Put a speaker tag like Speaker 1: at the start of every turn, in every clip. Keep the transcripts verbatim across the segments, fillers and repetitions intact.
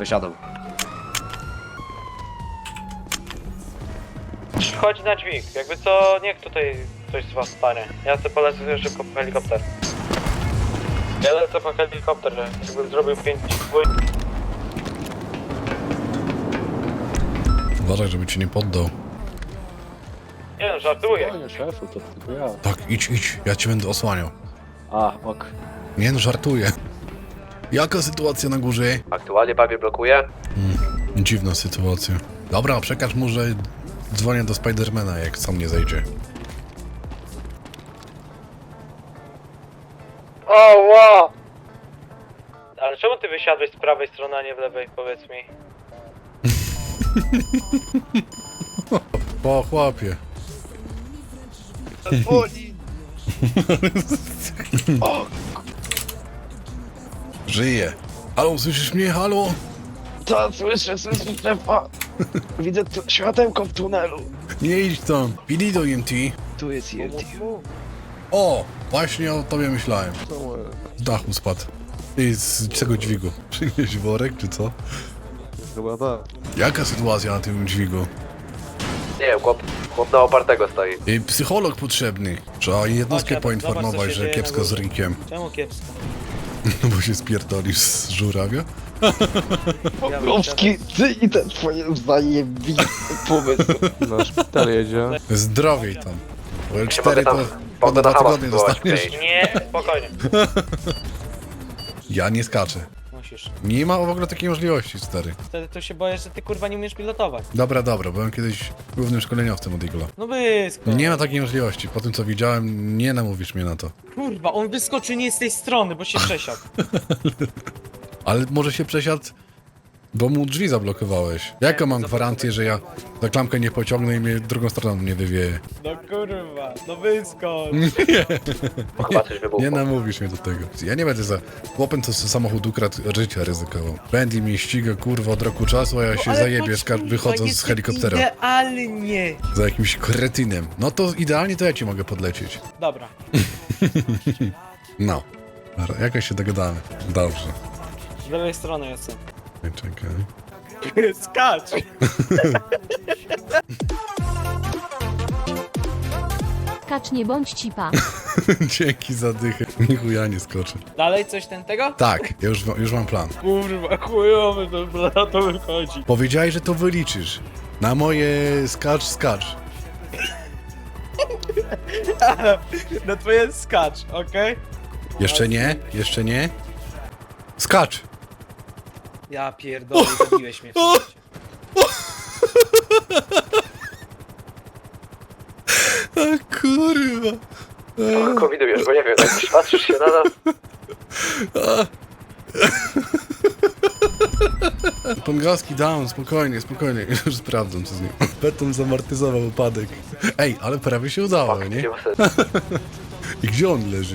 Speaker 1: Wysiadł.
Speaker 2: Chodź na dźwig, jakby co, niech tutaj coś z was stanie. Ja sobie polecę sobie szybko po helikopter. Ja lecę po helikopter, że jakbym zrobił pięć dwój...
Speaker 3: Uważaj, żeby cię nie poddał.
Speaker 2: Nie no, żartuję.
Speaker 4: Spokojnie, szefu, to tylko ja.
Speaker 3: Tak, idź, idź, ja cię będę osłaniał.
Speaker 4: A, ok.
Speaker 3: Nie no, żartuję. Jaka sytuacja na górze?
Speaker 2: Aktualnie bawię blokuje.
Speaker 3: Hmm, dziwna sytuacja. Dobra, przekaż mu, że dzwonię do Spidermana, jak sam nie zejdzie.
Speaker 2: O, wow! Ale czemu ty wysiadłeś z prawej strony, a nie w lewej, powiedz mi?
Speaker 3: Po chłopie. Żyje. Halo, słyszysz mnie? Halo?
Speaker 4: To słyszę, słyszę szefa. Widzę tu światełko w tunelu.
Speaker 3: Nie idź tam. Pili do E M T.
Speaker 4: Tu jest E M T.
Speaker 3: O, właśnie o tobie myślałem. Z dachu spadł. Ty z czego dźwigu? Przynieś worek, czy co?
Speaker 4: Chyba tak.
Speaker 3: Jaka sytuacja na tym dźwigu?
Speaker 2: Nie wiem, chłop, chłop na opartego stoi.
Speaker 3: Y, psycholog potrzebny. Trzeba jednostkę
Speaker 2: Chodź,
Speaker 3: poinformować,
Speaker 2: zobacz, co się
Speaker 3: że
Speaker 2: dzieje
Speaker 3: kiepsko
Speaker 2: na
Speaker 3: z
Speaker 2: górze.
Speaker 3: Rinkiem.
Speaker 2: Czemu kiepsko?
Speaker 3: No bo się spierdolisz z żurawia?
Speaker 4: Pokowski, ty i te twoje zajebiste pomysły. Na szpital jedzie.
Speaker 3: Zdrowiej tam. Bo L cztery to
Speaker 2: mogę
Speaker 3: po
Speaker 2: na
Speaker 3: dwa
Speaker 2: Hamas
Speaker 3: tygodnie
Speaker 2: spróbować
Speaker 3: dostaniesz.
Speaker 2: wejść. Nie, spokojnie.
Speaker 3: Ja nie skaczę.
Speaker 2: Musisz.
Speaker 3: Nie ma w ogóle takiej możliwości, stary.
Speaker 2: Wtedy to się boję, że ty kurwa nie umiesz pilotować.
Speaker 3: Dobra, dobra, byłem kiedyś głównym szkoleniowcem od Eagle'a.
Speaker 2: No wyskocz.
Speaker 3: Nie ma takiej możliwości. Po tym co widziałem, nie namówisz mnie na to.
Speaker 2: Kurwa, on wyskoczył nie z tej strony, bo się przesiadł.
Speaker 3: Ale może się przesiadł, bo mu drzwi zablokowałeś. Jaką mam gwarancję, że ja za klamkę nie pociągnę i mnie drugą stroną nie wywieje?
Speaker 2: No kurwa, no wyskocz.
Speaker 5: Chyba coś wybuchło.
Speaker 3: Nie namówisz mnie do tego. Ja nie będę za chłopem, co samochód ukradł, życia ryzykował. Bentley mnie ściga, kurwa, od roku czasu, a ja się zajebię, skar- wychodząc z helikoptera.
Speaker 2: Idealnie.
Speaker 3: Za jakimś kretynem. No to idealnie to ja ci mogę podlecieć.
Speaker 2: Dobra.
Speaker 3: No. Dobra, jakoś się dogadamy. Dobrze.
Speaker 2: Z lewej strony jestem.
Speaker 3: Czekaj.
Speaker 2: Skacz.
Speaker 6: Kacz, nie bądź cipa.
Speaker 3: Dzięki za dychę. Nichu ja nie skoczę.
Speaker 2: Dalej coś ten tego?
Speaker 3: Tak, ja już, już mam plan.
Speaker 2: Kurwa, chujowy to, to wychodzi.
Speaker 3: Powiedziałeś, że to wyliczysz. Na moje skacz, skacz.
Speaker 2: Na twoje skacz, okej?
Speaker 3: Jeszcze nie? Jeszcze nie? Skacz!
Speaker 2: Ja pierdolę, zabiłeś mnie w tym życiu.
Speaker 3: A kurwa.
Speaker 5: Kogo widujesz, bo nie wiem, tak patrzysz się na nas.
Speaker 3: Pongowski down, spokojnie, spokojnie. Już sprawdzam co z nim. Beton zamortyzował upadek. Ej, ale prawie się udało,
Speaker 5: Fuck,
Speaker 3: nie?
Speaker 5: nie ma sensu.
Speaker 3: I gdzie on leży?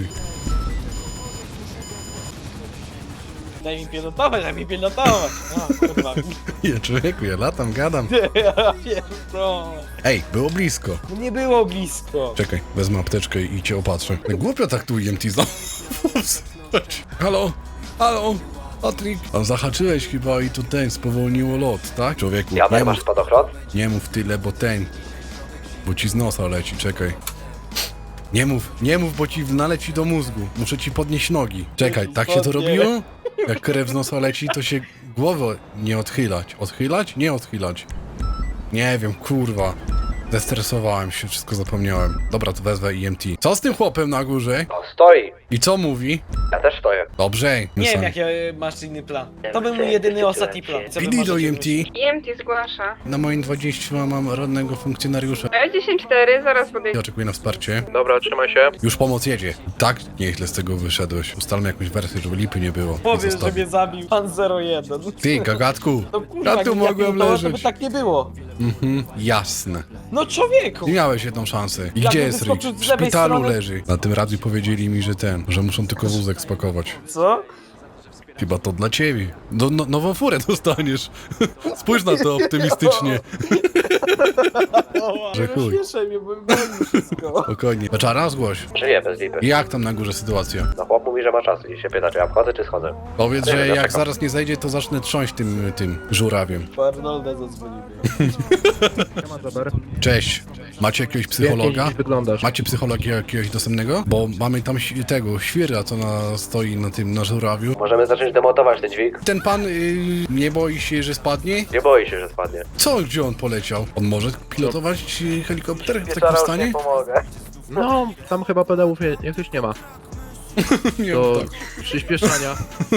Speaker 2: Daj mi pilotować, daj mi pilotować. O, kurwa.
Speaker 3: Ja człowieku, ja latam, gadam.
Speaker 2: Ja pierdolę.
Speaker 3: Ej, było blisko.
Speaker 2: No nie było blisko.
Speaker 3: Czekaj, wezmę apteczkę i cię opatrzę. Głupio tak tu E M T znowu. Halo? Halo? Patryk? A zahaczyłeś chyba i to ten spowolniło lot, tak? Człowieku,
Speaker 5: Ja
Speaker 3: nie
Speaker 5: masz
Speaker 3: mów,
Speaker 5: spadochron?
Speaker 3: nie mów tyle, bo ten... Bo ci z nosa leci, czekaj. Nie mów, nie mów, bo ci naleci do mózgu. Muszę ci podnieść nogi. Czekaj, tak się to robiło? Jak krew z nosa leci, to się głowę nie odchylać. Odchylać? Nie odchylać. Nie wiem, kurwa. Zestresowałem się, wszystko zapomniałem. Dobra, to wezwę E M T. Co z tym chłopem na górze?
Speaker 5: No, stoi.
Speaker 3: I co mówi?
Speaker 5: Ja też stoję.
Speaker 3: Dobrze.
Speaker 2: Nie wiem,
Speaker 3: sami.
Speaker 2: jaki masz inny plan. To był mój jedyny, ostatni plan. Co wy
Speaker 3: Pili do
Speaker 2: możecie
Speaker 3: E M T.
Speaker 2: myśleć?
Speaker 7: E M T zgłasza.
Speaker 3: Na moim dwudziestym mam rodnego funkcjonariusza.
Speaker 7: E dziesięć cztery, zaraz podejdę.
Speaker 3: Ja oczekuję na wsparcie.
Speaker 5: Dobra, trzymaj się.
Speaker 3: Już pomoc jedzie. Tak nieźle z tego wyszedłeś. Ustalmy jakąś wersję, żeby lipy nie było.
Speaker 2: Powiedz, że
Speaker 3: Zostawię.
Speaker 2: mnie zabił pan zero jeden.
Speaker 3: Ty, gagatku.
Speaker 2: No kurwa,
Speaker 3: Ja tu
Speaker 2: jak
Speaker 3: mogłem
Speaker 2: pilotował,
Speaker 3: leżeć.
Speaker 2: To by tak nie było.
Speaker 3: Mhm, jasne.
Speaker 2: No człowieku.
Speaker 3: I miałeś jedną szansę. I
Speaker 2: Jak
Speaker 3: gdzie
Speaker 2: bym
Speaker 3: jest Rich?
Speaker 2: wyskoczył
Speaker 3: W
Speaker 2: z lewej
Speaker 3: szpitalu
Speaker 2: strony-
Speaker 3: leży. Na tym radiu powiedzieli mi, że ten, że muszą tylko wózek spakować.
Speaker 2: Co?
Speaker 3: Chyba to dla ciebie. No, no, nową furę dostaniesz. Spójrz na to optymistycznie. Że chuj.
Speaker 1: mnie, bo boli wszystko.
Speaker 3: Spokojnie. Beczara, zgłoś.
Speaker 5: Żyję bez lipy.
Speaker 3: Jak tam na górze sytuacja?
Speaker 5: No chłop mówi, że ma czas i się pyta, czy ja wchodzę, czy schodzę.
Speaker 3: Powiedz,
Speaker 5: Nie
Speaker 3: że
Speaker 5: wiem,
Speaker 3: jak
Speaker 5: dlaczego.
Speaker 3: zaraz nie zejdzie, to zacznę trząść tym, tym żurawiem.
Speaker 1: Po Arnolda zadzwonimy.
Speaker 3: Cześć. Macie jakiegoś psychologa?
Speaker 1: wyglądasz?
Speaker 3: Macie psychologa jakiegoś dostępnego? Bo mamy tam ś- tego, świra, co na, stoi na tym, na żurawiu.
Speaker 5: Możemy zacząć demontować ten dźwig?
Speaker 3: Ten pan y, nie boi się, że spadnie?
Speaker 5: Nie boi się, że spadnie.
Speaker 3: Co, gdzie on poleciał? On może pilotować y, helikopter w takim stanie?
Speaker 5: pomogę.
Speaker 8: No, tam chyba pedałów je- jakoś nie ma.
Speaker 3: Nie,
Speaker 8: Do
Speaker 3: tak.
Speaker 8: przyspieszania.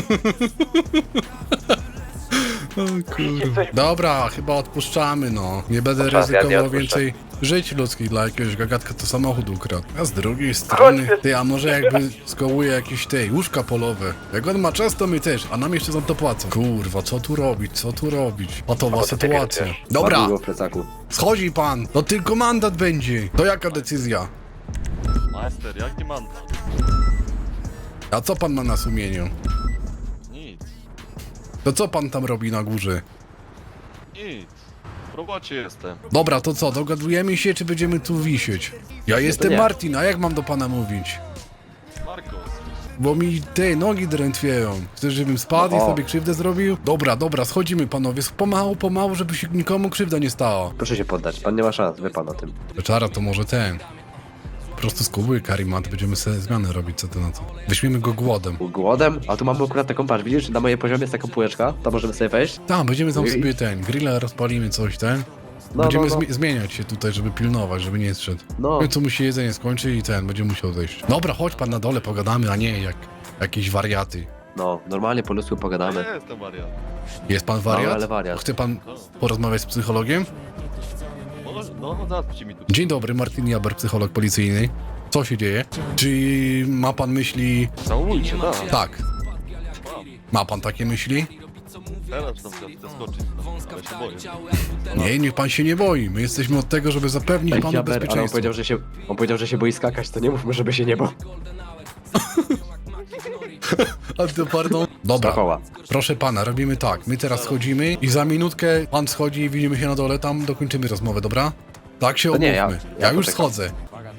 Speaker 3: O kurwa. Dobra, chyba odpuszczamy, no. Nie będę
Speaker 5: Czas, ja nie
Speaker 3: ryzykował
Speaker 5: odpuszczę.
Speaker 3: więcej żyć ludzkich dla jakiegoś gagatka, to samochód ukradł. A z drugiej strony, ty, a może jakby skołuje jakieś tej łóżka polowe. Jak on ma czas, to my też, a nam jeszcze za to płacą. Kurwa, co tu robić, co tu robić? Patowa
Speaker 5: O, to ty
Speaker 3: sytuacja.
Speaker 5: wiesz.
Speaker 3: Dobra,
Speaker 5: w plecaku.
Speaker 3: schodzi pan, to tylko mandat będzie. To jaka decyzja?
Speaker 9: Majster, jaki mandat?
Speaker 3: A co pan ma na sumieniu?
Speaker 9: Nic,
Speaker 3: To co pan tam robi na górze?
Speaker 9: nic. W robocie jestem.
Speaker 3: Dobra, to co, dogadujemy się, czy będziemy tu wisieć? Ja jestem
Speaker 5: nie.
Speaker 3: Martin, a jak mam do pana mówić?
Speaker 9: Markos.
Speaker 3: Bo mi te nogi drętwieją. Chcesz, żebym spadł i
Speaker 5: O.
Speaker 3: sobie krzywdę zrobił? Dobra, dobra, schodzimy panowie, pomału, pomału, żeby się nikomu krzywda nie stała.
Speaker 5: Proszę się poddać, pan nie ma szans, wie pan o tym.
Speaker 3: Czara, to może ten. Po prostu skubuje karimat, będziemy sobie zmiany robić, co ty na to. Weźmiemy go głodem.
Speaker 5: Głodem? A tu mamy akurat taką, patrz, widzisz, na mojej poziomie jest taka półeczka, to możemy sobie wejść?
Speaker 3: Tam, będziemy tam
Speaker 5: I-
Speaker 3: sobie ten, grilla rozpalimy, coś ten.
Speaker 5: No,
Speaker 3: Będziemy
Speaker 5: no, no.
Speaker 3: zmi- zmieniać się tutaj, żeby pilnować, żeby nie zszedł.
Speaker 5: No.
Speaker 3: W końcu mu się jedzenie skończy i ten, będzie musiał zejść. Dobra, chodź pan na dole, pogadamy, a nie jak jakieś wariaty.
Speaker 5: No, normalnie po ludzku pogadamy.
Speaker 9: Ja jestem wariat.
Speaker 3: Jest pan wariat?
Speaker 5: No, ale wariat.
Speaker 3: Chce pan porozmawiać z psychologiem?
Speaker 9: No, no, załatwcie mi tu.
Speaker 3: Dzień dobry, Martin Jaber, psycholog policyjny. Co się dzieje? Czy ma pan myśli...
Speaker 9: Całujcie, tak.
Speaker 3: Tak. Ma pan takie myśli?
Speaker 9: Teraz tam chcę skoczyć, no, ale się boję.
Speaker 3: Nie, niech pan się nie boi. My jesteśmy od tego, żeby zapewnić panu
Speaker 5: Jaber, ale on
Speaker 3: bezpieczeństwo.
Speaker 5: powiedział, że się, on powiedział, że się boi skakać, to nie mówmy, żeby się nie bał.
Speaker 3: A to pardon. Dobra,
Speaker 5: Strachoła.
Speaker 3: proszę pana, robimy tak. My teraz schodzimy i za minutkę pan schodzi i widzimy się na dole, tam dokończymy rozmowę, dobra? Tak się
Speaker 5: To nie,
Speaker 3: umówmy.
Speaker 5: ja-
Speaker 3: Ja,
Speaker 5: ja
Speaker 3: już
Speaker 5: poczekam.
Speaker 3: schodzę.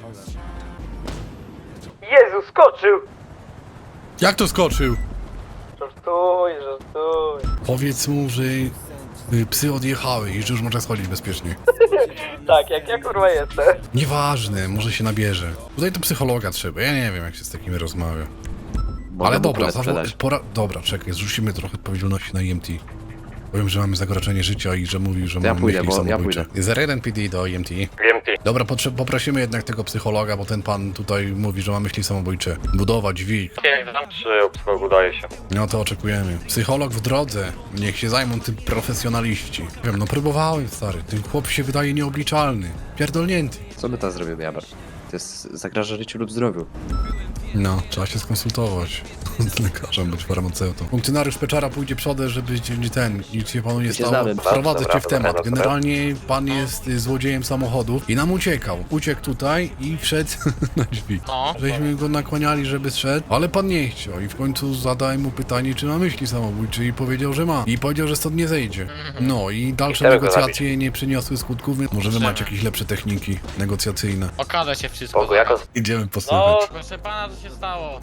Speaker 2: Jezu, skoczył!
Speaker 3: Jak to skoczył?
Speaker 2: Żartuj, żartuj.
Speaker 3: Powiedz mu, że y, psy odjechały i że już może schodzić bezpiecznie.
Speaker 2: Tak, jak ja kurwa jestem.
Speaker 3: Nieważne, może się nabierze. Tutaj to psychologa trzeba, ja nie wiem jak się z takimi rozmawia.
Speaker 5: Mogę
Speaker 3: Ale
Speaker 5: mu
Speaker 3: dobra,
Speaker 5: kulę
Speaker 3: zawo-
Speaker 5: sprzedać.
Speaker 3: pora... dobra, czekaj, zrzucimy trochę odpowiedzialności na E M T. Powiem, że mamy zagrożenie życia i że mówił, że
Speaker 5: To ja
Speaker 3: mamy
Speaker 5: pójdę,
Speaker 3: myśli
Speaker 5: bo ja
Speaker 3: samobójcze. zero jeden P D do E M T. Dobra, potrze- poprosimy jednak tego psychologa, bo ten pan tutaj mówi, że ma myśli samobójcze. Budowa, dźwig.
Speaker 2: Jak znam, czy u psychologu udaje się.
Speaker 3: No to oczekujemy. Psycholog w drodze. Niech się zajmą tym profesjonaliści. Wiem, no próbowałem, stary. Ten chłop się wydaje nieobliczalny. Pierdolnięty.
Speaker 5: Co my teraz zrobimy, Jaber? To jest zagraża życiu lub zdrowiu.
Speaker 3: No, trzeba się skonsultować z lekarzem bądź farmaceutą. Funkcjonariusz Peczara pójdzie przodem, żeby ci- ten, nic się panu nie
Speaker 5: się
Speaker 3: stało.
Speaker 5: znamy.
Speaker 3: Wprowadzę
Speaker 5: Dobra,
Speaker 3: cię w
Speaker 5: dobra,
Speaker 3: temat.
Speaker 5: dobra.
Speaker 3: Generalnie pan jest y, złodziejem samochodów i nam uciekał. Uciekł tutaj i wszedł na drzwi.
Speaker 4: No.
Speaker 3: Żeśmy go nakłaniali, żeby zszedł, ale pan nie chciał i w końcu zadałem mu pytanie, czy ma myśli samobójcze i powiedział, że ma. I powiedział, że stąd nie zejdzie. No i dalsze
Speaker 5: Chcemy go
Speaker 3: negocjacje nie przyniosły skutków, więc może wy macie jakieś lepsze techniki negocjacyjne.
Speaker 4: Okaże się wszystko.
Speaker 5: Bogu, jak on...
Speaker 3: Idziemy posłuchać.
Speaker 4: Proszę pana, co się stało?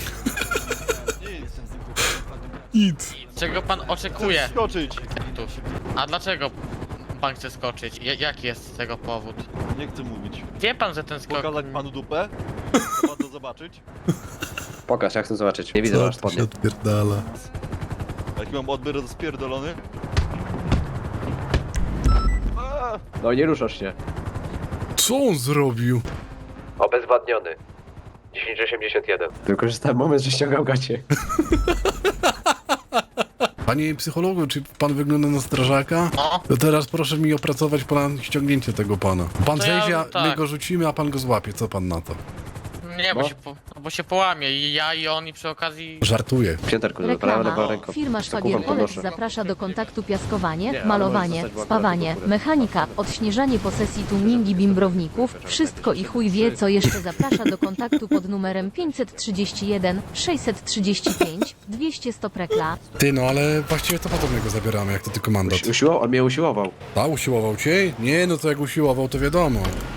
Speaker 3: Nic.
Speaker 4: Czego pan oczekuje?
Speaker 9: Skoczyć!
Speaker 4: Tu. A dlaczego pan chce skoczyć? Ja- jaki jest tego powód?
Speaker 9: Nie chcę mówić.
Speaker 4: Wie pan, że ten skok...
Speaker 9: Pokazać panu dupę? Chce pan to zobaczyć?
Speaker 5: Pokaż, ja chcę zobaczyć. Nie widzę
Speaker 3: Co
Speaker 5: masz
Speaker 3: tu się
Speaker 5: spodnie.
Speaker 3: odpierdala?
Speaker 9: Jaki mam odbiór spierdolony? A!
Speaker 5: No nie ruszasz się.
Speaker 3: Co on zrobił?
Speaker 5: Obezwładniony. dziesięć osiemdziesiąt jeden. Wykorzystałem moment, że ściągał gacie.
Speaker 3: Panie psychologu, czy pan wygląda na strażaka?
Speaker 4: No.
Speaker 3: To teraz proszę mi opracować plan ściągnięcia tego pana. Pan
Speaker 4: To ja-
Speaker 3: zejdzie, a my
Speaker 4: tak.
Speaker 3: go rzucimy, a pan go złapie. Co pan na to?
Speaker 10: Nie, bo się, po, bo się połamie i ja i on i przy okazji...
Speaker 3: Żartuję.
Speaker 5: Pięterku, prawa, lewa
Speaker 6: Reklama.
Speaker 5: ręka.
Speaker 6: Firma
Speaker 5: Zakuwam,
Speaker 6: Szwagier Polec
Speaker 5: podnoszę.
Speaker 6: zaprasza do kontaktu piaskowanie,
Speaker 5: Nie, ale
Speaker 6: malowanie,
Speaker 5: możesz zostać w
Speaker 6: spawanie,
Speaker 5: akurat do góry.
Speaker 6: mechanika, odśnieżanie posesji tuningi bimbrowników, wszystko i chuj wie co jeszcze zaprasza do kontaktu pod numerem pięćset trzydzieści jeden sześćset trzydzieści pięć dwieście sto prekla.
Speaker 3: Ty, no ale właściwie to potem go zabieramy, jak to tylko mandat.
Speaker 5: Usiłował, on mnie usiłował.
Speaker 3: A, usiłował cię? Nie, no to jak usiłował, to wiadomo.